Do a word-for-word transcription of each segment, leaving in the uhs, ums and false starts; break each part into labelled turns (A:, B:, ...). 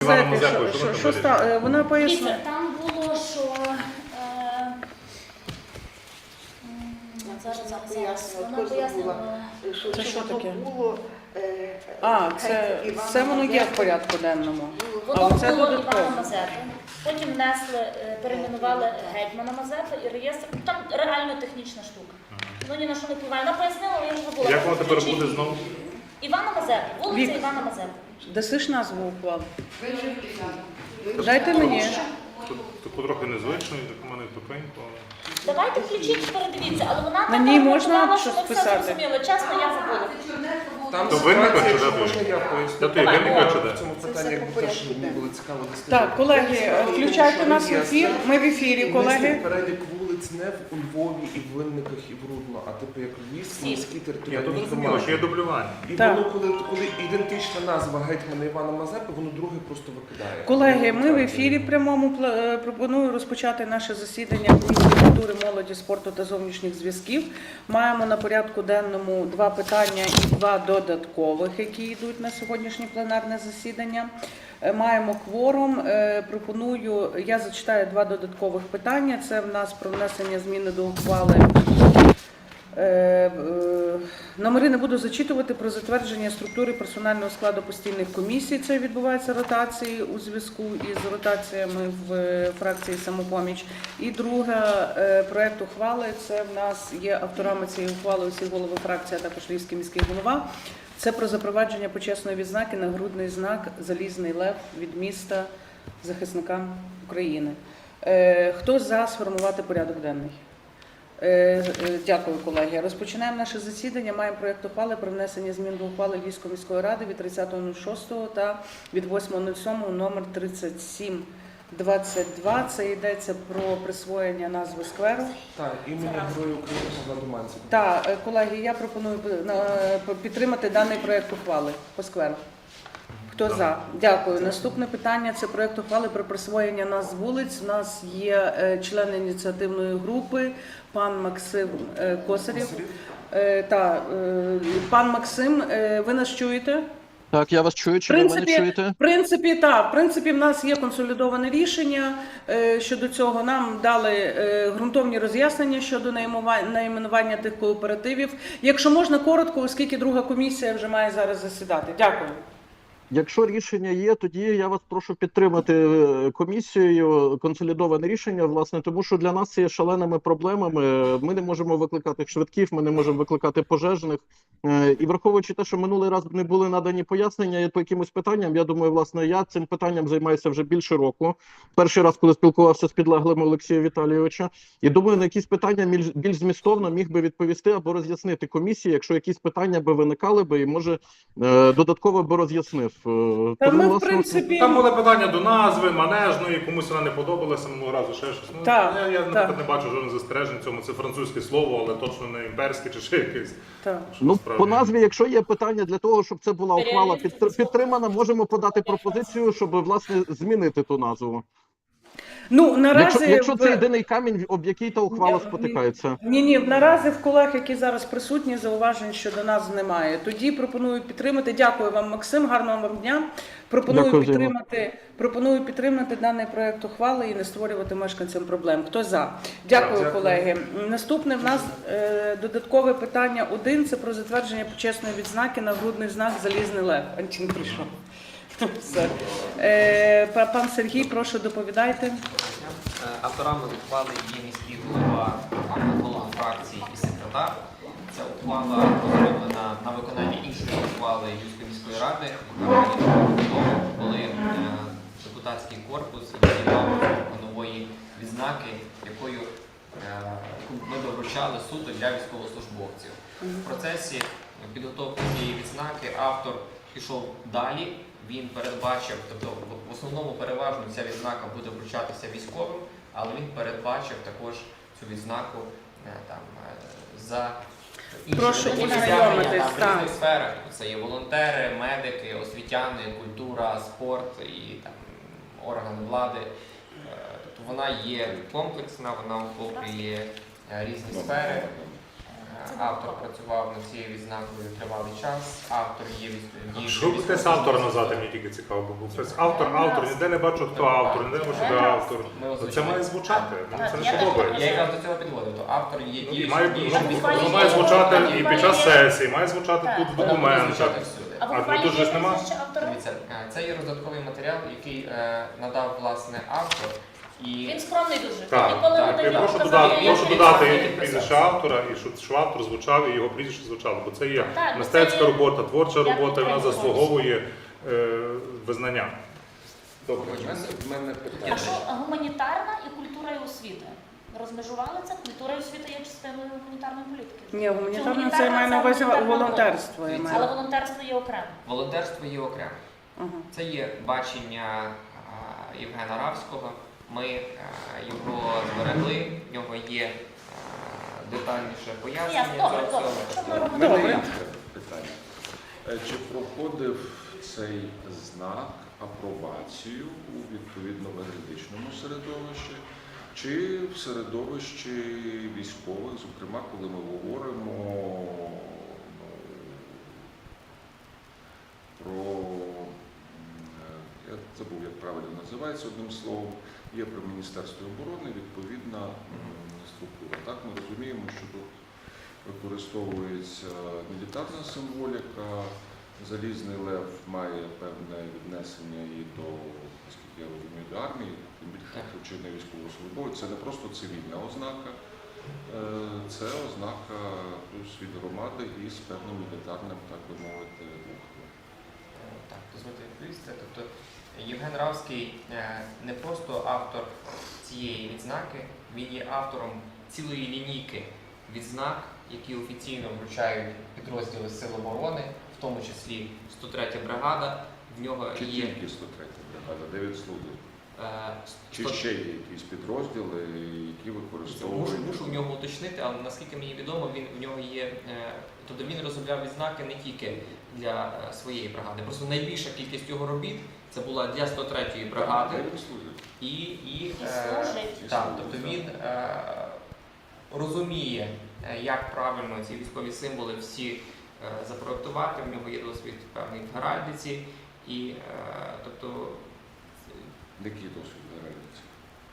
A: Івана Мазепи, що, що, що ста... Вона пояснила.
B: Там було, що е... зараз, зараз, зараз. Вона пояснила.
A: Це що таке? А, це, це воно є в порядку денному.
B: Воно було Івана Мазепи. Потім внесли, перейменували гетьмана Мазепи і реєстр. Там реально технічна штука. Ну ні на що не впливає. Вона пояснила, але я вже забула.
A: Як воно тепер буде знову?
B: Івана Мазепи, вулиця Івана Мазепи.
A: Даси ж назву уклали? Дайте мені.
C: Таку трохи незвично, і так у мене тупенько.
B: Давайте включіть, передивіться, але вона
A: на ній можна
B: що
A: щось
B: ми все
A: писати?
B: зрозуміли. Чесно, я забула.
D: Там
C: То винника чи
D: ситуація,
C: де
D: можна
C: той?
D: я
C: Де
D: поясню?
C: той винника чи де?
D: В цьому питанні якби теж мені було цікаво дослідити.
A: Так, колеги, включайте нас в ефір. Ми в ефірі, колеги.
D: Перелік вулиць не у Львові, і в Винниках, і в Рудно, а типу як Львівські міські
C: Ні, то
D: територіальні
C: зрозуміло,
D: громади.
C: що є дублювання.
D: І
A: Так.
D: воно, коли, коли ідентична назва гетьмана Івана Мазепи, воно друге просто викидає.
A: Колеги, ми в ефірі прямому пла- пропоную розпочати наше засідання Комісії культури, молоді, спорту та зовнішніх зв'язків. Маємо на порядку денному два питання і два додаткових, які йдуть на сьогоднішнє пленарне засідання. Е, Маємо кворум. Е, Пропоную, я зачитаю два додаткових питання. Це в нас про внесення зміни до ухвали. Е, е, Номери не буду зачитувати, про затвердження структури персонального складу постійних комісій. Це відбувається ротації у зв'язку із ротаціями в е, фракції «Самопоміч». І друге, е, проект ухвали, це в нас є авторами цієї ухвали усі голови фракції, а також Львівський міський голова. Це про запровадження почесної відзнаки нагрудний знак «Залізний лев» від міста захисника України. Е, Хто за сформувати порядок денний? Дякую, колеги. Розпочинаємо наше засідання. Маємо проєкт ухвали про внесення змін до ухвали Львівської міської ради від тридцятого шостого та від восьмого сьомого номер тридцять сім двадцять два. Це йдеться про присвоєння назви скверу.
D: Так, імені Героя України Павла Думанцева.
A: Так, колеги, я пропоную підтримати даний проєкт ухвали по скверу. Хто за? Дякую. Наступне питання – це проєкт ухвали про присвоєння назв вулиць. У нас є е, член ініціативної групи, пан Максим е, Косарєв. Е, та, е, пан Максим, е, ви нас чуєте?
E: Так, я вас чую, чи ви мене чуєте?
A: В принципі, так. В принципі, в нас є консолідоване рішення е, щодо цього. Нам дали е, ґрунтовні роз'яснення щодо найменування тих кооперативів. Якщо можна, коротко, оскільки друга комісія вже має зараз засідати. Дякую.
E: Якщо рішення є, тоді я вас прошу підтримати комісією консолідоване рішення, власне, тому що для нас це є шаленими проблемами. Ми не можемо викликати швидків, ми не можемо викликати пожежних. І враховуючи те, що минулий раз не були надані пояснення по якимось питанням, я думаю, власне, я цим питанням займаюся вже більше року. Перший раз, коли спілкувався з підлеглими Олексія Віталійовича. І думаю, на якісь питання більш змістовно міг би відповісти або роз'яснити комісії, якщо якісь питання би виникали би і, може, додатково би роз'яснив.
A: Та
E: Тому,
A: ми, в
E: власне,
A: принципі...
C: Там були питання до назви, манежної, комусь вона не подобалася минулого разу, ще щось. Ну,
A: Так,
C: я, я
A: так.
C: наприклад, не бачу жодних застережень в цьому. Це французьке слово, але точно не імперське чи ще якесь.
A: Так.
C: Що
E: Ну,
C: насправді-
E: по назві, якщо є питання для того, щоб це була ухвала підтр- підтримана, можемо подати пропозицію, щоб, власне, змінити ту назву.
A: Ну, наразі...
E: Якщо, якщо це
A: в-
E: єдиний камінь, об який та ухвала спотикається.
A: Ні, ні, наразі в колег, які зараз присутні, зауважень щодо нас немає. Тоді пропоную підтримати. Дякую вам, Максим, гарного вам дня. Пропоную
E: Дякую,
A: підтримати, пропоную підтримати даний проект ухвали і не створювати мешканцям проблем. Хто за? Дякую,
D: Дякую.
A: колеги. Наступне в нас е, додаткове питання один. Це про затвердження почесної відзнаки нагрудний знак «Залізний лев». Антін прийшов. Все. Е, па- пан Сергій, прошу, доповідайте.
F: Авторами ухвали є міський голова, голова фракції і секретар. Ця ухвала розроблена на виконання іншої ухвали Львівської міської ради, коли е, депутатський корпус ініціював нової відзнаки, якою е, яку ми би вручали суду для військовослужбовців. В процесі підготовки цієї відзнаки автор пішов далі. Він передбачив, тобто в основному переважно ця відзнака буде вручатися військовим, але він передбачив також цю відзнаку там, за
A: Прошу
F: інші
A: ознайомитись,
F: досягнення там, в
A: так.
F: різних сферах. Це є волонтери, медики, освітяни, культура, спорт і там, органи влади. Тобто вона є комплексна, вона охоплює різні сфери. Автор працював над цією відзнакою тривалий час. Автор є від
C: Що ви хтось автора назвати, мені тільки цікаво, бо хтось автор, автор, ніде не бачу, хто автор, ніде не бачу, де автор.
F: Ми
C: Ну,
F: озвучили.
C: Це має звучати, мені це
B: Я
C: не
B: теж
C: подобається.
F: Я якраз до цього підводив, то автор є
C: Ну,
F: діючий
C: має,
F: діючий
C: ну,
F: військовий.
C: воно має звучати і під час сесії, має звучати
B: Так.
C: тут в
F: Воно буде
C: документах.
F: звучати всюди.
B: А в
C: А, ну,
B: ухвалі
C: тут же
B: є
C: ж нема?
B: прізвище автора?
F: Дивіться, е, це є роздатковий матеріал, який е, надав власне автор. І
B: Він скромний дуже.
C: Так,
B: Ніколи
F: так,
B: не
C: Я
B: дає
C: прошу
B: показати,
C: додати,
B: як
C: прошу
B: він
C: додати
B: сам.
C: прізвище автора, і щоб що автор звучав, і його прізвище звучало, бо це є
B: Так,
C: мистецька
B: це є-
C: робота, творча
B: Я
C: робота, і вона
B: підтримую
C: заслуговує е, визнання.
D: Добре, в мене, в мене
B: А
D: питання.
B: що гуманітарна і культура і освіта? Розмежували це? Культура і освіта є частиною гуманітарної політики.
A: Ні, гуманітарне
B: Чи
A: це має на увазі
B: гуманітарна
A: волонтерство. я
F: Дивіться.
A: маю.
B: Але волонтерство є окремо.
F: волонтерство є окремо.
A: Ага.
F: Це є бачення а, Євгена Равського. Ми а, його зберегли, в нього є а, детальніше пояснення
B: Ясно,
F: цього
B: добре, добре.
F: всього.
B: Що ми
D: В
B: робимо?
D: мене
A: Добре.
D: інше питання. Е, Чи проходив цей знак апробацію у відповідно-юридичному середовищі, чи в середовищі військових, зокрема, коли ми говоримо ну, про, м, я забув, як правильно називається одним словом, є при Міністерстві оборони відповідна м, структура. Так, ми розуміємо, що тут використовується мілітарна символіка, Залізний Лев має певне віднесення і до, наскільки я розумію, до армії, тим більше, що чи не військовослужбовець. Це не просто цивільна ознака, е, це ознака плюс від громади із певним мілітарним, так би мовити, рухом.
F: Е, Так, дозвольте відповісти. Тобто Євген Равський е, не просто автор цієї відзнаки, він є автором цілої лінійки відзнак, які офіційно вручають підрозділи Сил оборони, в тому числі сто третя бригада. В нього
D: Чи
F: є
D: тільки сто третя бригада, дев'ять служб?
F: е,
D: Чи
F: сто-
D: ще є якісь підрозділи, які
F: Мушу,
D: використовують?
F: мушу в нього уточнити, але наскільки мені відомо, він в нього є. е, Тобто він розробляв відзнаки не тільки для е, своєї бригади. Просто найбільша кількість його робіт це була для сто третьої бригади.
D: Дев'ять служб.
F: І, і,
B: І
F: е,
B: служить.
F: так, тобто він е, розуміє, е, як правильно ці військові символи всі е, запроектувати. В нього є досвід певний в геральдиці. І, е, тобто,
D: Який досвід реалізації?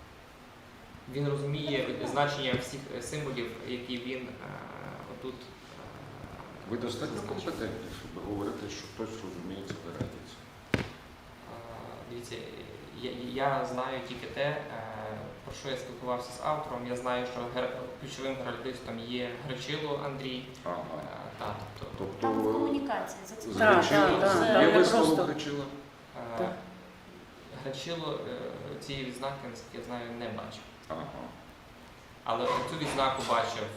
F: він розуміє значення всіх е, символів, які він е, отут. е,
D: Ви достатньо компетентні, щоб говорити, що хтось розуміє це реалізацію.
F: А, Дивіться, я, я знаю тільки те, е, про що я спілкувався з автором. Я знаю, що гер... ключовим геральдистом є Гречило Андрій.
D: Ага.
F: Е, та, тобто,
D: Тобто
B: Там комунікація. За це
D: з
A: Так,
D: Гречила-
A: так,
B: так,
D: є
A: там не
D: висловок
A: просто-
D: Гречила?
F: е,
A: Так.
F: Гречило е, цієї відзнаки, наскільки я знаю, не бачив.
D: Ага.
F: Але цю відзнаку бачив,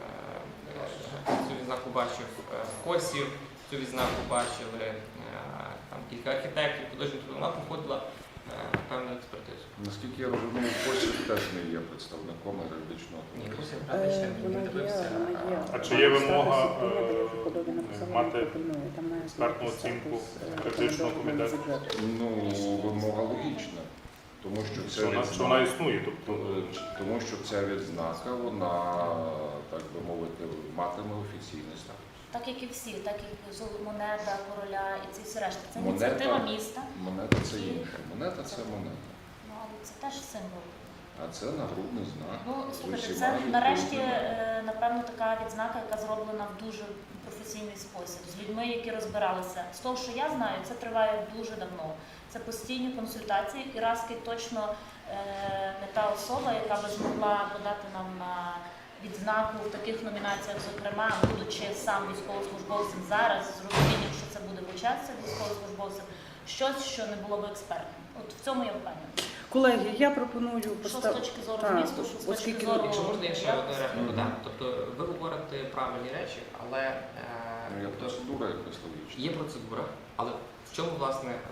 F: е, е, цю відзнаку бачив е, Косів, цю відзнаку бачили е, там кілька архітекторів, художників. Вона проходила е, певну експертизу.
D: Наскільки я розумію, Косів теж не є представником юридичного
F: Ні,
D: комітету.
F: Косів
A: Е,
F: правда ще
A: Вона
F: не
A: є,
F: дивився.
A: вона є.
C: А чи є вимога,
A: Статус
C: е,
A: подобі написала,
C: мати
A: не пропонує. Там має
C: експертну
A: бути
C: оцінку
A: статус, е,
C: критичного
A: рекомендованого
C: комітету?
A: бюджету.
D: Ну, вимога логічна, тому що
C: Що
D: ця
C: вона, що вона
D: відзнака,
C: існує, тобто
D: тому що ця відзнака, вона, так би мовити, матиме офіційний статус.
B: Так як і всі, так як золота монета, короля і ці всі решта. Це
D: Монета.
B: ініціатива міста,
D: Монета це інше. Монета це монета.
B: ну але це теж символ.
D: А це нагрудний знак.
B: Ну,
D: з
B: слухайте,
D: усіма
B: це нарешті,
D: відповідними.
B: е, напевно, така відзнака, яка зроблена в дуже професійний спосіб, з людьми, які розбиралися. З того, що я знаю, це триває дуже давно. Це постійні консультації, і Равський точно е, не та особа, яка би змогла подати нам на відзнаку в таких номінаціях, зокрема, будучи сам військовослужбовцем зараз, з розумінням, що це буде початися військовослужбовцем, щось, що не було б експертним. От в цьому я впевнена.
A: Колеги, я пропоную
B: Що з
A: поставити.
B: точки зору
A: Так,
B: змісту, що з точки
A: оскільки-
B: зору...
F: Якщо можна, я ще одну репліку
D: Мгм.
F: дам. Тобто ви говорите правильні речі, але е,
D: Ну, Є
F: тобто,
D: процедура якась логічна.
F: є процедура, але в чому власне е,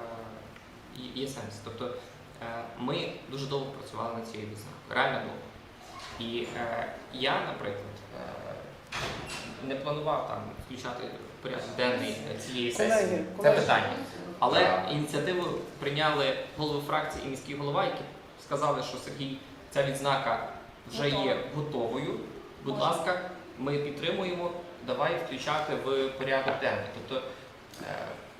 F: є- є сенс? Тобто е, ми дуже довго працювали над цією відзнакою, реально довго. І е, я, наприклад, е, не планував там включати в порядок денний цієї сесії
A: Колеги,
F: це
A: колеги.
F: питання. Але ініціативу прийняли голови фракції і міський голова, які сказали, що Сергій, ця відзнака вже є готовою. Будь
B: Можна.
F: ласка, ми підтримуємо, давай включати в порядок денний. Тобто, е,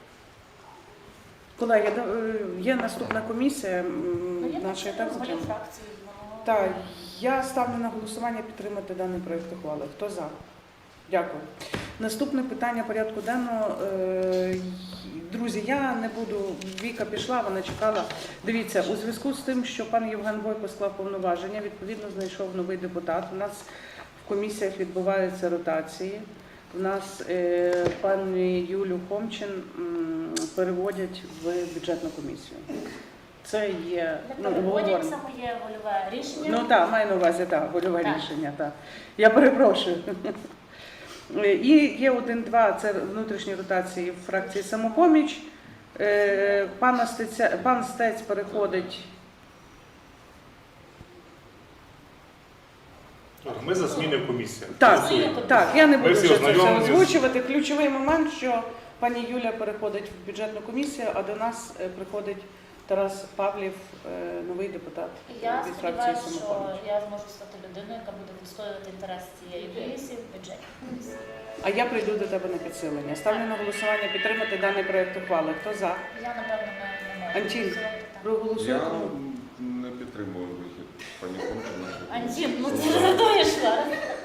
A: Колеги, да- е, є наступна комісія м,
B: Ну, я
A: наша і
B: так
A: так
B: голів
A: затримана.
B: фракції. воно-
A: Так, я ставлю на голосування підтримати даний проєкт ухвали. Хто за? Дякую. Наступне питання порядку денного. Е, Друзі, я не буду, Віка пішла, вона чекала. Дивіться, у зв'язку з тим, що пан Євген Бойко склав повноваження, відповідно знайшов новий депутат. У нас в комісіях відбуваються ротації. У нас е, пані Юлю Хомчин м, переводять в бюджетну комісію. Це є
B: Не
A: ну,
B: переводять,
A: обговорено.
B: це моє вольове рішення.
A: Ну так, маю на увазі, так, вольове
B: Так.
A: рішення, так. Я перепрошую. І є один-два, це внутрішні ротації в фракції «Самопоміч». Е, Пан Стеця, пан Стець переходить.
C: Ми за зміни в комісіях.
A: Так,
C: Голосуємо.
A: так, я не
C: Ми
A: буду
C: всі
A: вже це все
C: ознайомлені з-
A: озвучувати. Ключовий момент, що пані Юля переходить в бюджетну комісію, а до нас е, приходить Тарас Павлів, е, новий депутат
B: І я
A: від фракції
B: сподіваюся, що
A: «Самопоміч».
B: я зможу стати людиною, яка буде відстоювати інтерес цієї комісії в бюджеті.
A: А я прийду до тебе на підсилення. Ставлю на голосування підтримати даний проєкт ухвали. Хто за?
B: Я, напевно, не, не можу.
A: Антін,
B: голосувати, так.
A: проголосуй.
D: Я не підтримую вихід пані Хомчина.
B: Антін, ну ти задуєш зараз.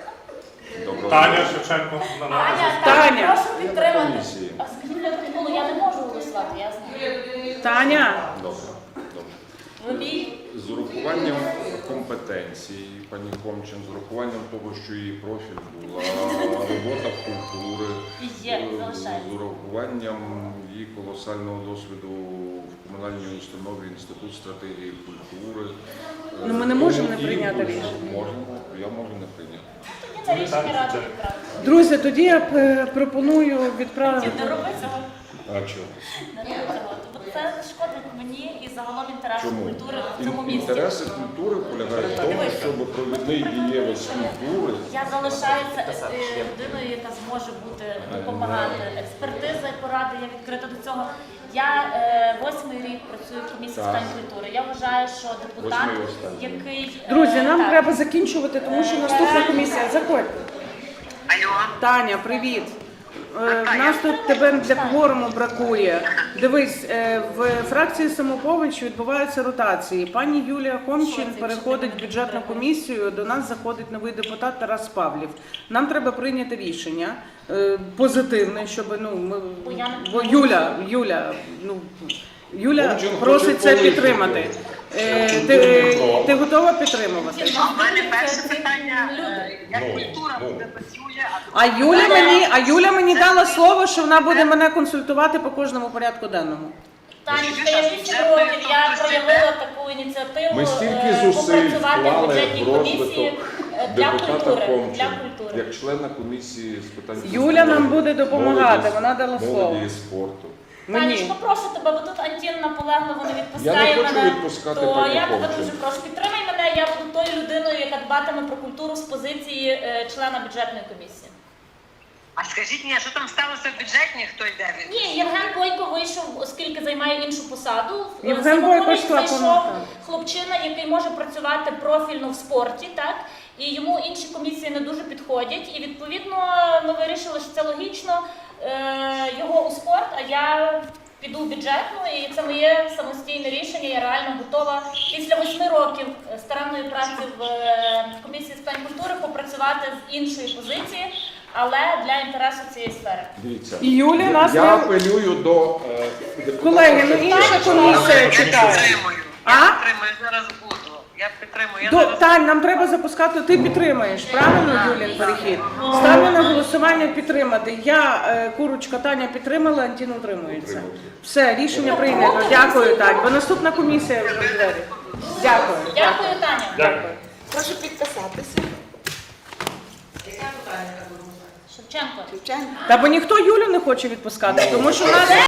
D: Доброго
C: Таня
D: дня.
C: Шевченко на
B: Таня,
C: нас.
A: Таня.
B: Таня, прошу підтримати.
D: Комісії.
B: А скажіть для протоколу, я не можу голосувати, я знаю.
A: Таня,
D: Добре, добре.
B: Ви мій?
D: З урахуванням компетенцій пані Хомчин, з урахуванням того, що її профіль була робота в культури,
B: І є,
D: е,
B: залишається.
D: з урахуванням її колосального досвіду в комунальній установі Інститут стратегії культури.
A: Ну, ми не можемо не
D: І
A: прийняти
D: дуже
A: рішення.
D: Можемо, я можу не прийняти.
B: Тоді це рішення ради відправити.
A: друзі, тоді я е, пропоную відправити.
B: Не роби цього.
D: А чого?
B: Не роби цього. Бо це шкодить мені і загалом інтересам
D: Чому?
B: культури в цьому
D: Ін-
B: місті.
D: Інтереси культури полягають в тому,
B: Дивися.
D: щоб провідний дієвець культури
B: Я залишаюся е, людиною, яка зможе бути допомагати. Експертиза і поради, я відкрита до цього. Я е, восьмий рік працюю в комісії з
D: Так.
B: питань культури. Я вважаю, що депутат,
D: Восьмий і останній.
B: який е,
A: Друзі, нам
B: так,
A: треба закінчувати, тому що наступна комісія. Заходьте.
G: Алло,
A: Таня, привіт. Е, В нас тут тебе для кворуму бракує. Дивись, е, в фракції «Самопоміч» відбуваються ротації. Пані Юлія Хомчин переходить в бюджетну комісію, до нас заходить новий депутат Тарас Павлів. Нам треба прийняти рішення е, позитивне, щоб ну ми
B: Бо я не
A: бо Юля, Юля, ну Юля
D: Хомчин
A: просить
D: хоче
A: це
D: полишити.
A: підтримати. Е, Ти, ти готова підтримувати?
G: а в мене перше питання,
B: люди.
G: е, як
D: Ну,
G: культура
D: ну.
G: буде працює, а
A: А Юля мені, а Юля мені дала слово, що вона буде мене консультувати по кожному порядку денному.
B: Танечка, я вісім років я проявила таку ініціативу
D: Ми стільки
B: е,
D: зусиль
B: попрацювати в
D: вклали
B: бюджетній
D: в
B: комісії
D: розвиток
B: е, для
D: депутата
B: культури.
D: Хомчин,
B: Для культури.
D: як члена комісії з питань
A: Юля нам
D: культури,
A: буде допомагати,
D: молоді-
A: вона дала слово.
D: молоді і спорту.
A: Мені.
B: Танечка, прошу тебе, бо тут Антін наполегливо не
D: Я
B: відпускає
D: не хочу
B: мене.
D: відпускати
B: То
D: пані
B: я тебе
D: Хомчин.
B: дуже прошу, підтримай мене, я буду тою людиною, яка дбатиме про культуру з позиції е, члена бюджетної комісії.
G: а скажіть мені, а що там сталося в бюджетні, хто йде від?
B: Ні, Євген Бойко вийшов, оскільки займає іншу посаду. В
A: Євген
B: «Самопоміч»
A: Бойко склав
B: зайшов
A: повноваження.
B: хлопчина, який може працювати профільно в спорті, так? І йому інші комісії не дуже підходять. І відповідно ми вирішили, що це логічно е, його у спорт, а я піду в бюджетну, і це моє самостійне рішення. Я реально готова після восьми років старанної праці в е, комісії з питань культури попрацювати з іншої позиції, але для інтересу цієї сфери.
D: Дивіться,
A: І Юля нас
D: я
A: не...
D: апелюю до е, депутата
A: Колеги, ну
D: Шевченка.
A: інша комісія
G: Я
A: чекає.
G: підтримую,
A: А?
G: я підтримую, я зараз буду. Я підтримую, я
A: До,
G: зараз
A: Тань, нам треба запускати, ти підтримаєш, правильно, Юлін, перехід? Ставлю на голосування підтримати. Я, е, Курочка, Таня підтримала, Антін утримується. Все, рішення прийнято. Дякую, Тань. Бо наступна комісія вже в двері. Дякую.
B: Дякую, Таня.
C: Дякую.
H: Прошу підписатися.
B: Шевченко.
H: Звичайно.
A: Та бо ніхто Юлю не хоче відпускати, тому що в нас